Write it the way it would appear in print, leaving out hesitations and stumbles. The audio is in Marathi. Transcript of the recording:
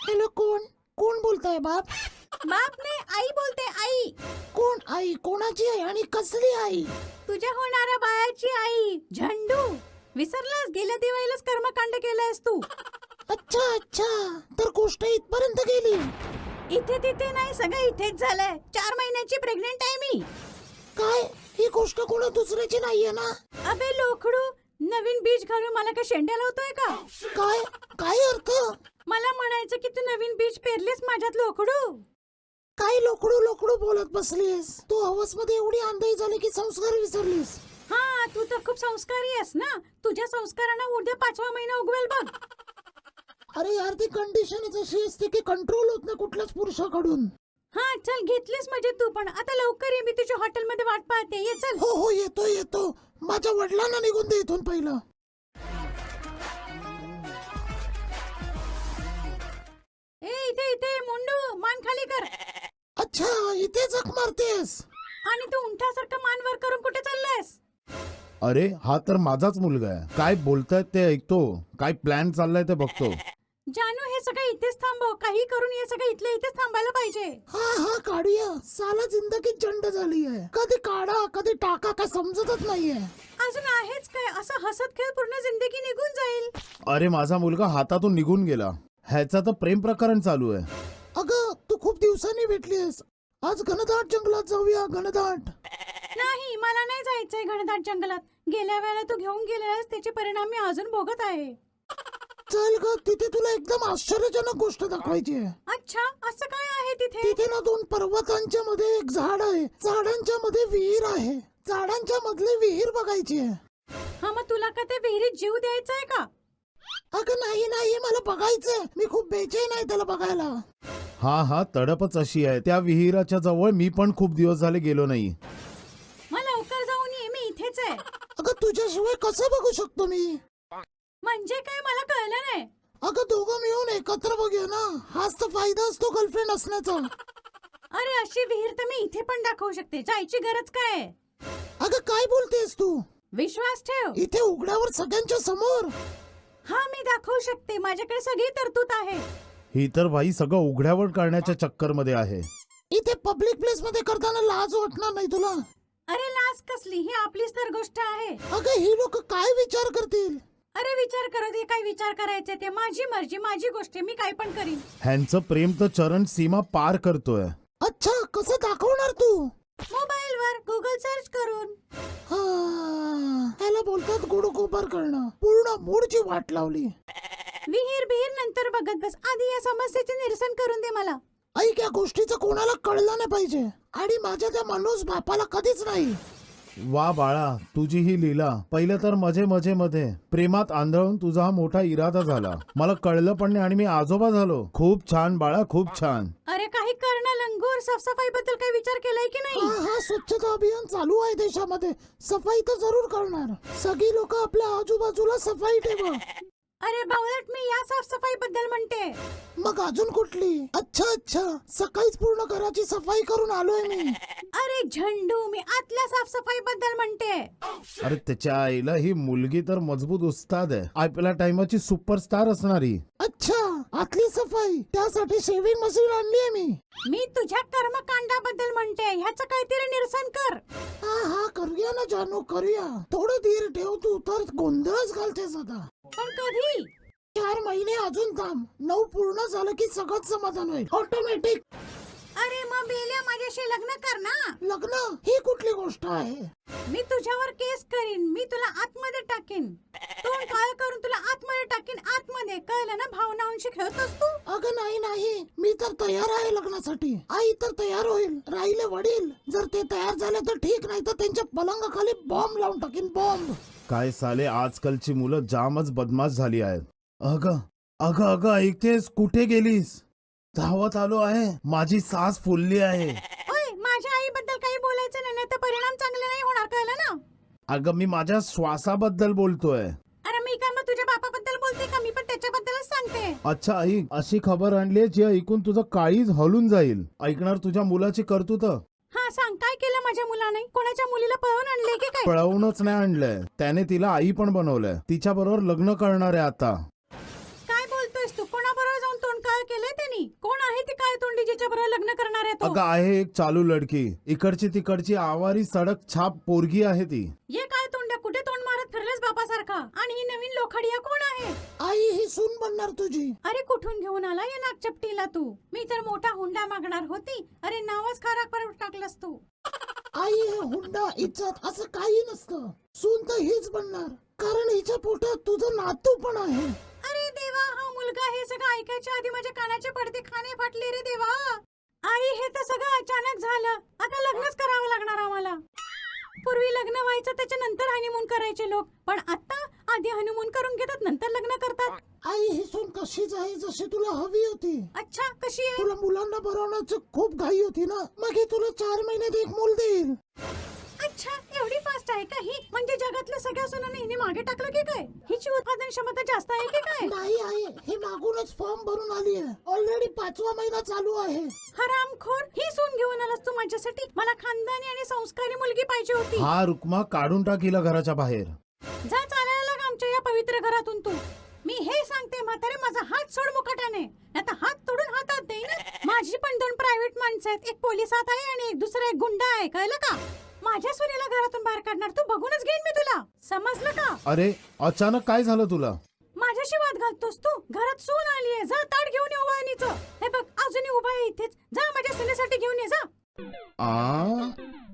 हॅलो, कोण कोण बोलताय? बाप? बाप नाही, आई बोलते. आई. कोण आई? कोणाची आई आणि कसली आई? तुझ्या होणाऱ्या बाळाची आई. झंडू. विसरलास? गेल्या दिवाळीलाच कर्मकांड केलंयस तू. अच्छा अच्छा, तर गोष्ट इथपर्यंत गेली. इथे तिथे नाही, सगळं इथेच झालंय. 4 महिन्याची प्रेग्नेंट आहे मी. काय? ही गोष्ट कोणा दुसऱ्याची नाहीये ना? अबे लोखडू, नवीन बीज घालून मला काय शेंड्या लावतोय का? काय काय अर्थ? मला म्हणायचं की तू नवीन बीज पेरलीस माझ्यात लोखडू. काय लोकडू लोकडू बोलत बसलीस? तू हवस मध्ये एवढी आंधळी झाली की संस्कार विसरलीस. हा, तू तर खूप संस्कारी आहेस ना. तुझ्या संस्कारांना उद्या 5वा महिना उगवेल बघ. अरे यार, ती कंडिशनच अशी असते की कंट्रोल होत नाही कुठल्याच पुरुषाकडून. हा चल, घेतलीस म्हणजे तू पण. आता लवकर ये, मी तुझ्या हॉटेलमध्ये वाट पाहते. ये चल. हो हो, येतो येतो. माझ्या वडिलांना निघून दे इथून पहिलं. ए इथे इथे मुंडू, मान खाली कर. अच्छा, इथे जख मारतेस? आणि तू उंठासारखं मान वर करून कुठे चाललायस? अरे हा तर माझाच मुलगा आहे. काय बोलतायत ते ऐकतो, काय प्लॅन चाललाय ते बघतो. जानू, हे सगळं इथेच थांबव. काही करून हे सगळं इथल्या इथेच थांबायला पाहिजे. हा हा, काढूया. साला जिंदगी जंड झाली आहे. कधी काढा कधी टाका, काय समजतच नाहीये. अजून आहेच काय? असं हसत खेळ पूर्ण जिंदगी निघून जाईल. अरे माझा मुलगा हातातून निघून गेला. ह्याचा तर प्रेम प्रकरण चालू आहे. अगं, तू खूप दिवसांनी भेटलीस. आज घनदाट जंगलात जाऊया. घनदाट. नाही, मला नाही जायचंय घनदाट जंगलात. गेल्या वेळेला तू घेऊन गेलेलास त्याचे परिणाम मी अजून भोगत आहे. चल ग, तिथे तुला एकदम आश्चर्यजनक गोष्ट दाखवायची आहे. अच्छा, असं काय आहे तिथे? तिथे ना 2 पर्वतांच्या मध्ये एक झाड आहे. झाडांच्या मध्ये विहीर आहे. झाडांच्या मधली विहीर बघायची आहे. हा, मग तुला का ते विहिरीत जीव द्यायचा आहे का? अगं नाही नाही, मला बघायचंय. मी खूप बेचैन आहे त्याला बघायला. हा तडपच अशी आहे. त्या विहिराच्या जवळ मी पण खूप दिवस झाले गेलो नाही. मग लवकर जाऊन ये, मी इथेच आहे. अगं, तुझ्याशिवाय कसं बघू शकतो मी? म्हणजे काय, मला कळलं नाही. अगं, दोघं मिळून एकत्र बघूया ना. हाच तर फायदा असतो गर्लफ्रेंड असण्याचा. अरे अशी विहीर तर मी इथे पण दाखवू शकते. जायची गरज काय आहे? अगं, काय बोलतेस तू? विश्वास ठेव. इथे उघड्यावर सगळ्यांच्या समोर. हा, मी दाखवू शकते. माझ्याकडे सगळी तरतूद आहे. ही तर बाई सगळं उघड्यावर करण्याच्या चक्कर मध्ये आहे. इथे पब्लिक प्लेस मध्ये करताना लाज वाटणार नाही तुला? अरे लाज कसली, ही आपलीच तर गोष्ट आहे. अगं, ही लोक काय विचार करतील? अरे विचार करत, हे काय विचार करायचे? ते माझी मर्जी, माझी गोष्ट, मी काय पण करीन. ह्यांचं प्रेम तर चरण सीमा पार करतोय. अच्छा, कसं दाखवणार तू? मोबाईल वर गुगल सर्च करून. हा, ह्याला बोलतात गोड गोबर करणं. पूर्ण मूडची वाट लावली. विहीर बिहीर नंतर बघत बस. आधी या समस्येचे निरसन करून दे मला. ऐक, या गोष्टीचं कोणाला कळलं नाही पाहिजे. आणि माझ्या त्या मनोज बापाला कधीच नाही. वा बाळा, तुझी ही लीला. पहिलं तर मध्ये प्रेमात आंधळून तुझा हा मोठा इरादा झाला. मला कळलं पण नाही आणि मी आजोबा झालो. खूप छान बाळा, खूप छान. अरे काही करणं लंगूर, साफसफाई बद्दल काही विचार केलाय की हा नाही? हा, स्वच्छता अभियान चालू आहे देशामध्ये. सफाई तर जरूर करणार. सगळी लोक आपल्या आजूबाजूला सफाई ठेवा. अरे बावळट, मी या साफसफाई बद्दल म्हणते. मग अजून कुठली? अच्छा अच्छा, सकाळीच पूर्ण घराची सफाई करून आलोय मी. अरे झंडू, मी आतल्या साफसफाई बद्दल म्हणते. अरे त्याच्या आईला, ही मुलगी तर मजबूत उस्ताद आहे. आपल्या टाइमाची सुपरस्टार असणारी. अच्छा, आतली सफाई. त्यासाठी शेविंग मशीन आणलीये मी. मी तुझ्या कर्मकांडाबद्दल म्हणते. ह्याचं काहीतरी निरसन कर. हा हा, करूया ना जानू, करूया. थोडं धीर ठेव, तू तर गोंधळच घालतेस आता. पण कधी? 4 महिने अजून थांब. 9 पूर्ण झालं की सगळं समाधान होईल ऑटोमॅटिक. अरे मग बेल्या, माझ्याशी लग्न कर ना. लग्न ही कुठली गोष्ट आहे? मी तुझ्यावर केस करीन. मी तुला आतमध्ये टाकीन. तोंड काळ करून तुला आतमध्ये टाकीन. आतमध्ये, कळलं ना? भावनांशी खेळतोस तू. अगं नाही नाही, मी तर तयार आहे लग्नासाठी. आई तर तयार होईल. राहिले वडील. जर ते तयार झाले तर ठीक, नाही तर त्यांच्या पलंगाखाली बॉम्ब लावून टाकीन, बॉम्ब. काय साले, आजकालची मुलं जामच बदमाश झाली आहेत. अगं अगं अगं, ऐकतेस? कुठे गेलीस? धावत आलो आहे. माझी सास फुलली आहे. ओय, माझ्या आईबद्दल काही बोलायचं नाही, तर परिणाम चांगले नाही होणार, कळलं ना? अगं मी माझ्या श्वासाबद्दल बोलतोय. अरे मी काय मग तुझ्या बापाबद्दल बोलते का? मी पण त्याच्याबद्दलच सांगते. अच्छा आई, अशी खबर आणली जी ऐकून तुझं काळीज हलून जाईल. ऐकणार तुझ्या मुलाची कर्तृत्व? हा सांग, काय केलं माझ्या मुलाने? कोणाच्या मुलीला पळवून आणले की काय? पळवूनच नाही आणलंय, त्याने तिला आई पण बनवलंय. तिच्या बरोबर लग्न करणार आहे आता. काय बोलतोयस तू? कोणाबरोबर जाऊन तोंड काळ केलंय? कोणाच्या बरोबर लग्न करणार आहे तो? अगं आहे एक चालू लडकी, इकडची तिकडची आवारी सडक छाप पोरगी आहे ती. ये काय तोंड्या, कुठे तोंड मारत फिरलेस बापासारखा? आणि ही नवीन लोखडिया कोण आहे? आई ही सून बनणार तुझी. अरे कुठून घेऊन आला या नागचपटीला तू? मी तर मोठा हुंडा मागणार होती. अरे नावच खराब करून टाकलंस तू. आई हे हुंडा इज्जत असं काही नसतं. सून तर हीच बनणार, कारण हिच्या पोटात तुझं नातू पण आहे. अरे देवा, हा मुलगा हे सगळं ऐकायच्या आधी माझ्या कानाचे पडदे खाणे फाटले रे देवा. आई हे तर सगळं अचानक झालं. आता लग्नच करावं लागणार आम्हाला. पूर्वी लग्न व्हायचं त्याच्या नंतर हनीमून करायचे लोक, पण आता आधी हनीमून करून घेतात नंतर लग्न करतात. आई ही सून कशीच आहे जशी तुला हवी होती. अच्छा, कशी आहे? तुला मुलांना भरवण्याची खूप घाई होती ना, मग ही तुला 4 महिन्यात एक मूल देईल. अच्छा, एवढी फास्ट आहे का ही? म्हणजे जगातल्या सगळ्या सुनांना हिने मागे टाकलं की काय? हिची उत्पादन क्षमता जास्त आहे की काय? नाही आई, हे मागूनच फॉर्म भरून आली आहे. ऑलरेडी 5वा महिना चालू आहे. हरामखोर, ही सून घेऊन आलास तू माझ्यासाठी? मला खानदानी आणि संस्कारी मुलगी पाहिजे होती. हा रुक्मा, काढून टाक हिला घराच्या बाहेर. जा चालायला लाग आमच्या या पवित्र घरातून तू. मी हे सांगते म्हातारे, माझा हात सोड मुकाट्याने, आता हात तोडून हातात देईन. माझी पण 2 प्रायव्हेट माणसं आहेत, एक पोलिसात आहे आणि एक दुसरा एक गुंडा आहे, कळलं का? माझ्या सुनेला घरातून बाहेर काढणार तू, बघूनच घेईन मी तुला, समजलं का? अरे अचानक काय झालं तुला? माझ्याशी वाद घालतोस तू? घरात सून आली आहे, जा ताट घेऊन ये वहिनीचं. हे बघ, अजूनही उभा आहे इथेच, जा माझ्या सुनेसाठी घेऊन ये जा. आ